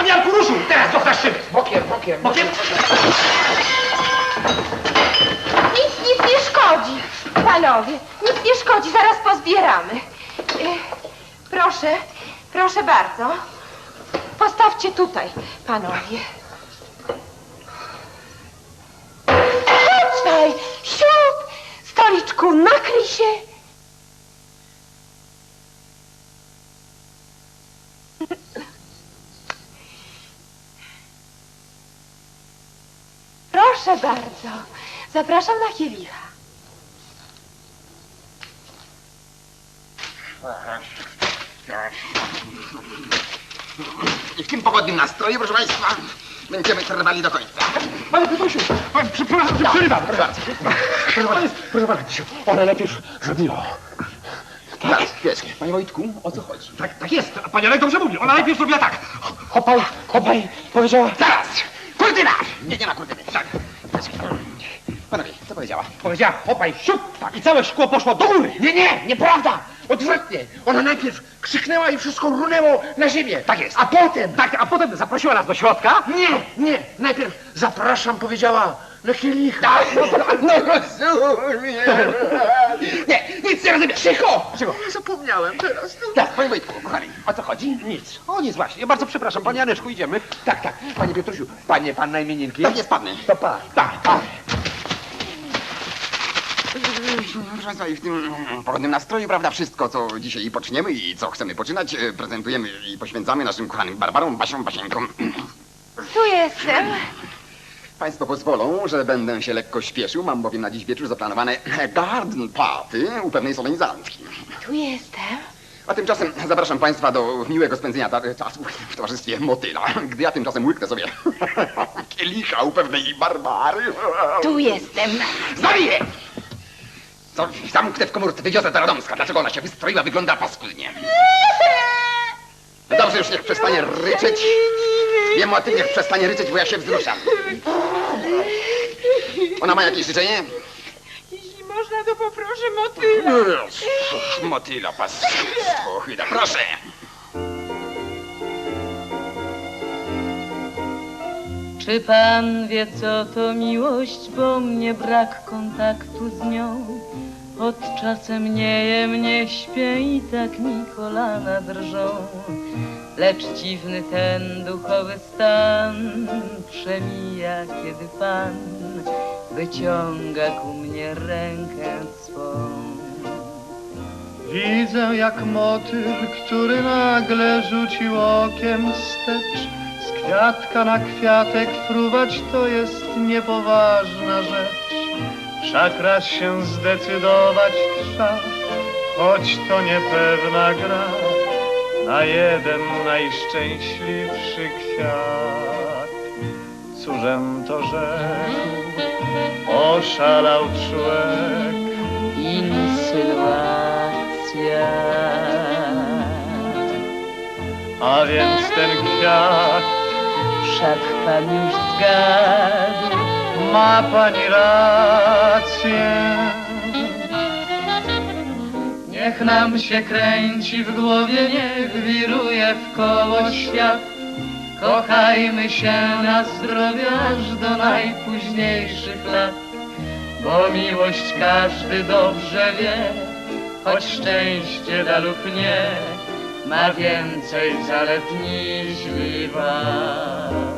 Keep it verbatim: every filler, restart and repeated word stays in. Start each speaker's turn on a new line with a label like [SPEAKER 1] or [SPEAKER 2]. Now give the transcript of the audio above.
[SPEAKER 1] Pan Janku ruszył! Teraz dostasz szyby!
[SPEAKER 2] Bokiem, bokiem,
[SPEAKER 1] Bokiem!
[SPEAKER 3] Nic, nic nie szkodzi. Panowie, nic nie szkodzi, zaraz pozbieramy. E, proszę, proszę bardzo. Postawcie tutaj, panowie. Chodź, siup! Stoliczku, nakryj się. Proszę bardzo. Zapraszam na kielicha.
[SPEAKER 2] I w tym pogodnym nastroju, proszę państwa, będziemy trwali do końca.
[SPEAKER 1] Panie Piotrusiu, pan, przepraszam, że przerywam. Proszę bardzo. Proszę pana, proszę pana, ona najpierw zrobiła.
[SPEAKER 2] Tak, chwileczkę. Panie Wojtku, o co chodzi?
[SPEAKER 1] Tak, tak jest, a pan Janek dobrze mówi. Ona najpierw zrobiła tak. Hopaj, hopaj, powiedziała.
[SPEAKER 2] Zaraz! Kurtyna! Nie, nie ma kurtyny. Tak. Panowie, co powiedziała?
[SPEAKER 1] Powiedziała hopaj, siup, tak. I całe szkło poszło do góry.
[SPEAKER 2] Nie, nie, nieprawda! Odwrotnie. Ona najpierw krzyknęła i wszystko runęło na ziemię.
[SPEAKER 1] Tak jest.
[SPEAKER 2] A potem...
[SPEAKER 1] Tak, a potem zaprosiła nas do środka.
[SPEAKER 2] Nie, nie. Najpierw zapraszam, powiedziała na kielicha. Tak, no, no rozumiem. Nie, nic nie rozumiem. Cicho!
[SPEAKER 1] Cicho.
[SPEAKER 2] Zapomniałem teraz. Tak, panie Wojtku, kochani, o co chodzi?
[SPEAKER 1] Nic. O nic właśnie. Ja bardzo przepraszam, panie Janeczku, idziemy.
[SPEAKER 2] Tak, tak. Panie Piotrusiu, panie, pan na imieninki? Tak jest, panny.
[SPEAKER 1] To pan.
[SPEAKER 2] Tak, tak. Proszę państwa, i w tym pogodnym nastroju, prawda, wszystko, co dzisiaj poczniemy i co chcemy poczynać, e, prezentujemy i poświęcamy naszym kochanym Barbarom, Basiom, Basieńkom.
[SPEAKER 3] Tu jestem.
[SPEAKER 2] Państwo pozwolą, że będę się lekko śpieszył, mam bowiem na dziś wieczór zaplanowane garden party u pewnej solenizantki.
[SPEAKER 3] Tu jestem.
[SPEAKER 2] A tymczasem zapraszam państwa do miłego spędzenia ta- czasu w towarzystwie motyla, gdy ja tymczasem łyknę sobie kielicha u pewnej Barbary.
[SPEAKER 3] Tu jestem.
[SPEAKER 2] Zabiję! Co, zamknę w komórce, wywiozę do Radomska. Dlaczego ona się wystroiła, wygląda paskudnie. No dobrze, już niech przestanie ryczeć. Wiem o tym, niech przestanie ryczeć, bo ja się wzruszam. Ona ma jakieś życzenie?
[SPEAKER 3] Jeśli można, to poproszę motyla.
[SPEAKER 2] Motyla, paskudstwo, chyba. Proszę.
[SPEAKER 4] Czy pan wie, co to miłość, bo mnie brak kontaktu z nią? Od czasem nie jem, nie śpię i tak mi kolana drżą. Lecz dziwny ten duchowy stan przemija, kiedy pan wyciąga ku mnie rękę swą.
[SPEAKER 5] Widzę jak motyl, który nagle rzucił okiem wstecz. Z kwiatka na kwiatek fruwać to jest niepoważna rzecz. Wszak raz się zdecydować trza, choć to niepewna gra. Na jeden najszczęśliwszy kwiat. Cóżem to rzekł, oszalał człowiek.
[SPEAKER 4] Insynuacja.
[SPEAKER 5] A więc ten kwiat,
[SPEAKER 4] Wszak pan już zgadł.
[SPEAKER 5] ma pani rację. Niech nam się kręci w głowie, niech wiruje w koło świat. Kochajmy się na zdrowie aż do najpóźniejszych lat. Bo miłość każdy dobrze wie, choć szczęście da lub nie, ma więcej zalet niż wad.